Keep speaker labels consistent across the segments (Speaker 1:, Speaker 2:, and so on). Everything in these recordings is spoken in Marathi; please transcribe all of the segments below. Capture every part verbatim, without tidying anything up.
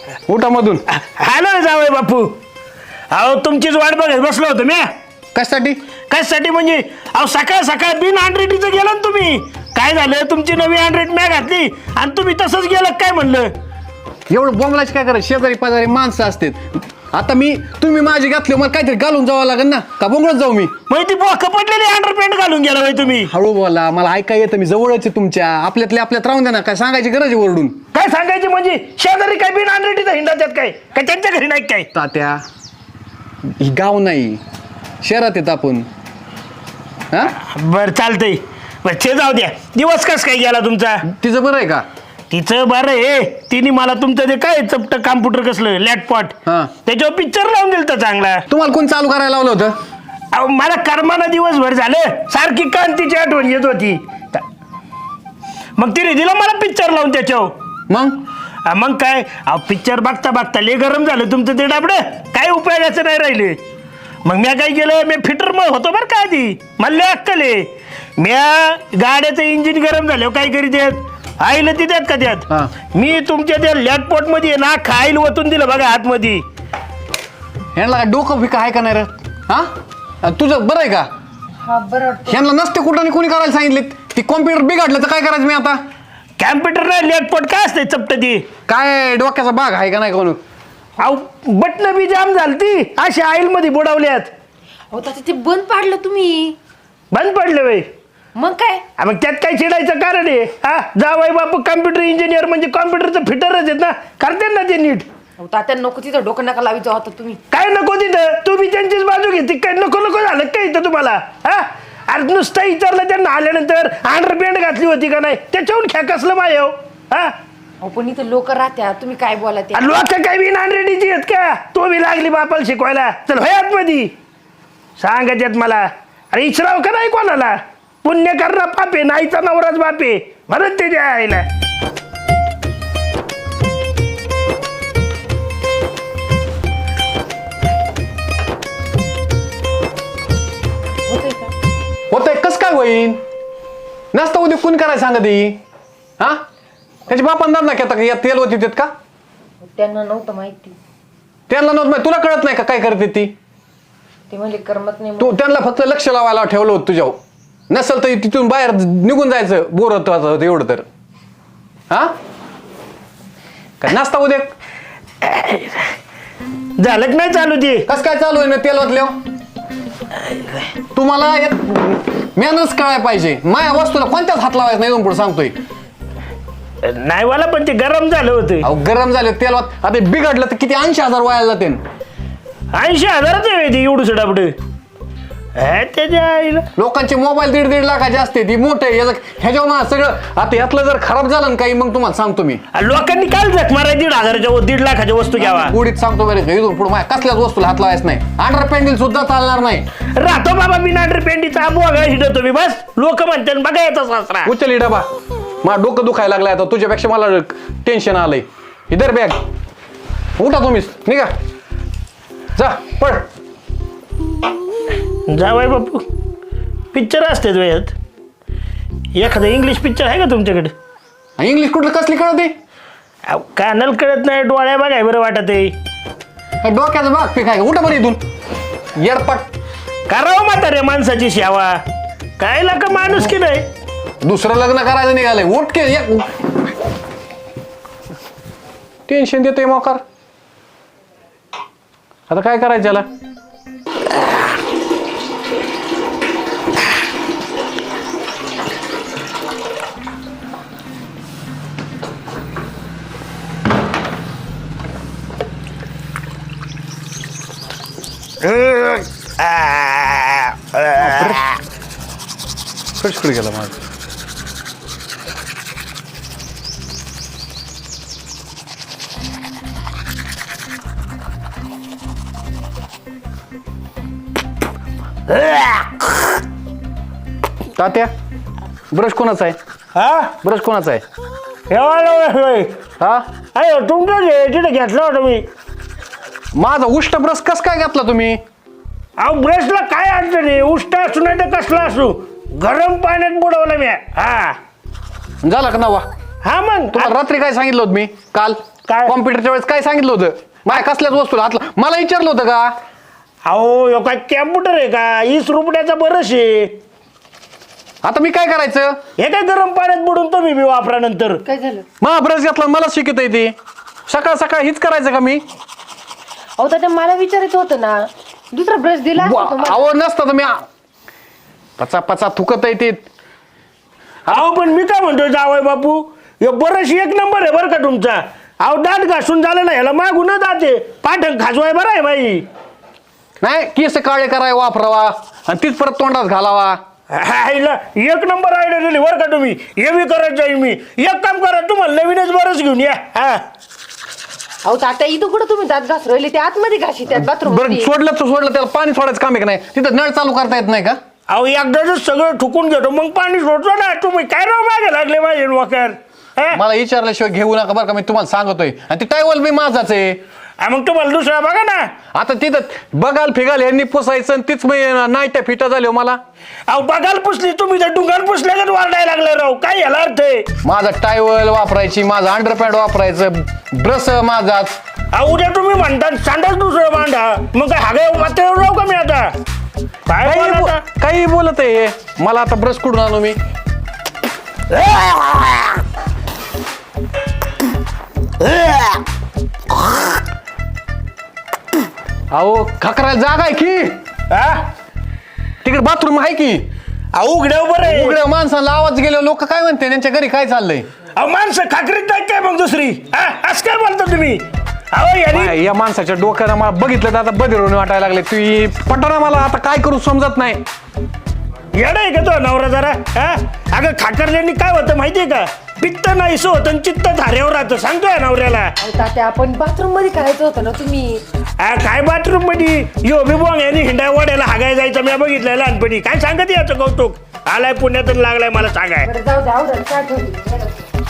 Speaker 1: उठामधून
Speaker 2: हॅलो जावई बापू. अहो तुमचीच वाट बघत बसलो होतो मी.
Speaker 1: कशासाठी?
Speaker 2: कशासाठी म्हणजे अहो सकाळ सकाळ बिन हंड्रेडीचं गेलं ना तुम्ही. काय झालं तुमची नवी हंड्रेड मॅ घातली आणि तुम्ही तसंच गेलं काय म्हणलं.
Speaker 1: एवढं बोंबलाच काय करायचं? शेजारी पाजारी माणसं असतात. आता मी तुम्ही माझी घातली मला काहीतरी घालून जावं लागेल ना, का बोंगळत जाऊ मी?
Speaker 2: मग ती बोक पडलेली अंडरपॅन्ट घालून गेला बाई तुम्ही.
Speaker 1: हळू बोला, मला ऐका येतं. मी जवळच आहे तुमच्या. आपल्यातले आपल्यात राहून द्या ना. काय सांगायची गरज आहे ओरडून?
Speaker 2: काय सांगायची म्हणजे शेजारी काय बिन हंड्रेडीचा हिंडा त्यात काय काय त्यांच्या घरी नाही काय.
Speaker 1: तात्या ही गाव नाही, शहरात येत आपण. हा
Speaker 2: बरं चालतंय. बरं ते जाऊ द्या. दिवस कस काय गेला तुमचा?
Speaker 1: तिचं बरं आहे का?
Speaker 2: तिचं बरं आहे. तिने मला तुमचं ते काय चपट कॉम्प्युटर कसलं लॅपटॉप
Speaker 1: हा.
Speaker 2: त्याच्यावर पिक्चर लावून दिलं तर चांगला.
Speaker 1: तुम्हाला कोण चालू करायला लावलं होतं?
Speaker 2: अहो मला कर्मानं दिवसभर झालं सारखी कांतीची आठवण येत होती. मग तिने दिलं मला पिक्चर लावून त्याच्यावर.
Speaker 1: मग
Speaker 2: हा, मग काय अहो पिक्चर बघता बघता लय गरम झालं तुमचं ते डाबडं. काय उपयोगाचं नाही राहिले. मग मी काय केलं, मी फिटर मग होतो बरं का आधी. मला लय अक्कल आहे. म्या गाड्याचं इंजिन गरम झालं काय करीत आहेत आईला ती द्यात का
Speaker 1: हा.
Speaker 2: त्यात मी तुमच्या त्या लॅपटॉप मध्ये ना खाईल ओतून दिलं बघा आतमध्ये.
Speaker 1: ह्यांना काय डोकं फिका आहे का नाही रे? हा तुझं बरं आहे का?
Speaker 3: हा बरं.
Speaker 1: ह्यांना नसते कुठं कोणी करायला सांगितले. ती कॉम्प्युटर बिघडलं तर काय करायचं मी आता?
Speaker 2: कॅम्प्युटर नाही लॅपटॉप काय असते चपट ती.
Speaker 1: काय डोक्याचा भाग आहे का नाही कोण?
Speaker 2: अहो बटन बी जाम झालती अशी आईल मध्ये बुडवल्यात.
Speaker 3: अहो तात्या ते बंद पाडलं तुम्ही.
Speaker 2: बंद पडले बाई.
Speaker 3: मग काय?
Speaker 2: हा, मग त्यात काय चिडायचं कारण आहे. हा जावाई बापू कॉम्प्युटर इंजिनियर म्हणजे कॉम्प्युटरचं फिटरच आहेत ना, करते ना ते नीट.
Speaker 3: अहो तात्या नको तिथं डोकं नका लावी जाऊ आता तुम्ही.
Speaker 2: काय नको तिथं तुम्ही त्यांचीच बाजू घेते. काय नको नको झालं काय इथं तुम्हाला. हा अरे नुसतं विचारलं त्यांना आल्यानंतर अंडरपॅन्ट घातली होती का नाही त्याच्याहून ख्या कसलं माय हो. हा
Speaker 3: अहो पण इथं लोक राहत्या तुम्ही काय बोला ते.
Speaker 2: लोक काय बिन हंड्रेडीची आहेत का. तो बी लागली बापाला शिकवायला. चल होयात मध्ये सांगत येत मला. अरे इचराव का नाही कोणाला. पुण्य करणं पापे नाहीचा नवराच बापे म्हणत ते आईला.
Speaker 3: होतंय का?
Speaker 1: होतंय कस काय होईन? नसतं उद्या कोण करायला सांगत ही? हा त्याची बापान दाब ना घेता का? या तेल होती देत का?
Speaker 3: त्यांना नव्हतं माहिती.
Speaker 1: त्यांना नव्हतं माहिती. तुला कळत नाही का काय करते ती?
Speaker 3: ते म्हणजे करमत नाही.
Speaker 1: तू त्यांना फक्त लक्ष लावायला ठेवलं होतं तुझ्यावर. नसल तर तिथून बाहेर निघून जायचं. बोर होतं एवढं तर. हा काय नाश्ता उद्या
Speaker 2: झालं की नाही चालू ते.
Speaker 1: कस काय चालू आहे ना तेल ओतल्यावर? तुम्हाला मेहनत कळायला पाहिजे. माया वस्तूला कोणत्याच हात लावायचं नाही. इथून पुढे सांगतोय.
Speaker 2: नाही मला पण ते गरम झालं होतं.
Speaker 1: अहो गरम झाले तेल ओत. आता बिघडलं तर किती ऐंशी हजार वायाला जाते.
Speaker 2: ऐंशी हजाराच आहे ते एवढं सुडापड. त्याच्या आईला
Speaker 1: लोकांचे मोबाईल दीड दीड लाखाचे असते. ती मोठे ह्याच्यावर सगळं आता यातलं जर खराब झालं ना काही मग तुम्हाला सांगतो मी.
Speaker 2: लोकांनी काय जख मारा दीड हजाराच्या व- दीड लाखाच्या वस्तू घ्यावा.
Speaker 1: गुढीत सांगतो बरे इथून पुढे माझ्या कसल्याच वस्तूला हात लावायचं नाही. अंडर पॅन्डल सुद्धा चालणार नाही.
Speaker 2: राहतो बाबा बिना पेंडीचा बोगा हिडतो मी बस. लोक म्हणतात बघा येतो सासरा.
Speaker 1: उचल डबा. मला डोकं दुखायला लागलाय आता. तुझ्यापेक्षा मला टेन्शन आलंय. इधर बॅग उठा तुम्हीच निघा जा पड.
Speaker 2: जावाय बापू पिक्चर असते वयात. एखादं इंग्लिश पिक्चर आहे का तुमच्याकडे?
Speaker 1: इंग्लिश कुठलं कसली कळते?
Speaker 2: अहो, कानाला कळत नाही डोळ्या बघाय बरं वाटत आहे.
Speaker 1: डोक्याचं भाग पीक आहे. उठा बरं इथून येडपट.
Speaker 2: करावं म्हातारे माणसाची सेवा. काय लाका माणूस की नाही.
Speaker 1: दुसरं लग्न करायचं निघालंय. उठ के टेन्शन देतोय मोकार. आता काय करायचं याला? कशकडे गेला माझं? तात्या ब्रश कोणाचा आहे?
Speaker 2: हा
Speaker 1: ब्रश कोणाचा आहे?
Speaker 2: एवढा
Speaker 1: हा
Speaker 2: अरे तुमचं तिथे घेतलं होतं मी.
Speaker 1: माझा उष्ट ब्रश कस काय घेतला तुम्ही?
Speaker 2: अहो ब्रशला काय अडचण आहे. उष्ट असू नाही तर कसला असू गरम पाण्यात बुडवलं मी. हा
Speaker 1: झाला का नवा?
Speaker 2: हा मग
Speaker 1: तुम्हाला रात्री काय सांगितलं होतं मी काल
Speaker 2: काय?
Speaker 1: कॉम्प्युटरच्या वेळेस काय सांगितलं होतं माझ्या कसल्याच वस्तूला हातला मला विचारलं होतं का
Speaker 2: अहो ह्यो काय कॅम्प्युटर आहे का वीस रुपयाचा बरंच आहे
Speaker 1: आता मी काय करायचं
Speaker 2: हे काय गरम पाण्यात बुडून तुम्ही बी वापरा नंतर
Speaker 3: काय झालं?
Speaker 1: मग ब्रश घेतला मला शिकत येते सकाळ सकाळ हीच करायचं का मी
Speaker 3: अहो तात्या मला विचारायचं होतं ना दुसरा ब्रश दिला असता तुम्हाला.
Speaker 1: अहो नसतं तर मी पचा पचा थुकत येते
Speaker 2: अहो पण मी काय म्हणतोय जावय बापू हे बरंच एक नंबर आहे बरं का तुमचा अहो दात घासून झालं ना ह्याला मागून जाते पाठण खाजवाय बरं आहे बाई
Speaker 1: नाही केस काळे कराय वापरावा आणि तीच परत तोंडात घालावा
Speaker 2: हायला एक नंबर आयडिया दिली बरं का तुम्ही हे बी करत जाईल मी एक काम करा तुम्हाला नवीनच बरंच घेऊन या हा
Speaker 3: अहो तात्या इथं कुठं तुम्ही दात घास राहिले ते आतमध्ये घाशी त्यात बाथरूम
Speaker 1: बरं सोडलं तर सोडलं त्याला पाणी सोडायचं काम आहे का नाही तिथं नळ चालू करता येत नाही का
Speaker 2: अहो एकदाच सगळं ठुकून घेतो मग पाणी सोडतो ना तुम्ही काय राव मागे लागले माझे वकर
Speaker 1: मला विचारल्याशिवाय घेऊ नका बरं का मी तुम्हाला सांगतोय आणि ती टायवल बी माझाच आहे
Speaker 2: मग तुम्हाला दुसरा बघा ना
Speaker 1: आता तिथं बघाल फिगाल यांनी पुसायचं आणि तीच नाईट्या फिटा झाल्या मला
Speaker 2: अहो बघाल पुसली तुम्ही तर डुंगाल पुसल्यागत वाढायला लागले राव काय याला अर्थ आहे
Speaker 1: माझा टायवल वापरायची माझा अंडरपॅड वापरायचं ब्रश माझाच
Speaker 2: अहो उद्या तुम्ही म्हणता सांडाच दुसरं मांडा मग काय हागे मात्र राहू का मी आता काय
Speaker 1: काही
Speaker 2: बोलता?
Speaker 1: बो- काही बोलत आहे हे. मला आता ब्रश कुठून आणू मी अहो खकरायला जागा आहे की
Speaker 2: हा?
Speaker 1: तिकडे बाथरूम आहे की
Speaker 2: अहो उघड्या बरं आहे
Speaker 1: उघड्या माणसाला आवाज गेले लोक काय म्हणते त्यांच्या घरी काय चाललंय
Speaker 2: अहो माणसं खाकरीत नाही काय मग दुसरी हा? असं काय बोलता तुम्ही अहो यांनी
Speaker 1: काय, या माणसाच्या डोक्याला मला बघितलं तर आता बदिरून वाटायला लागले तू पटना मला आता काय करू समजत नाही
Speaker 2: येडं आहे का तो नवरा जरा हा अगं खाकरल्याने काय होतं माहितीये का पित्त नाहीसं होतं आणि चित्त धाऱ्यावर राहतं सांगतोय नवऱ्याला
Speaker 3: अहो तात्या आपण बाथरूम मध्ये करायचं होतं ना तुम्ही
Speaker 2: हा, काय बाथरूम मध्ये यो बिबोंग यांनी हिंडा वाड्याला हागाय जायचं मी बघितलंय लहानपणी काय सांगत याचं कौतुक आलाय पुण्यातून लागलाय मला सांगाय
Speaker 3: बरं जाऊ द्या आवडलं काय ठेवली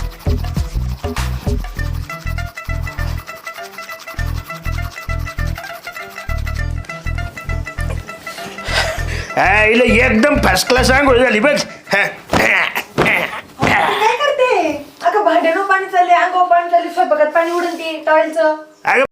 Speaker 2: हा, हिला एकदम फर्स्ट क्लास आंघोळ झाली बघ हा.
Speaker 3: काय करते अगं भांड्यानं पाणी चालले अंगावर पाणी चालले स्वयंपाकात पाणी उडून ते टॉयलचं
Speaker 2: अगं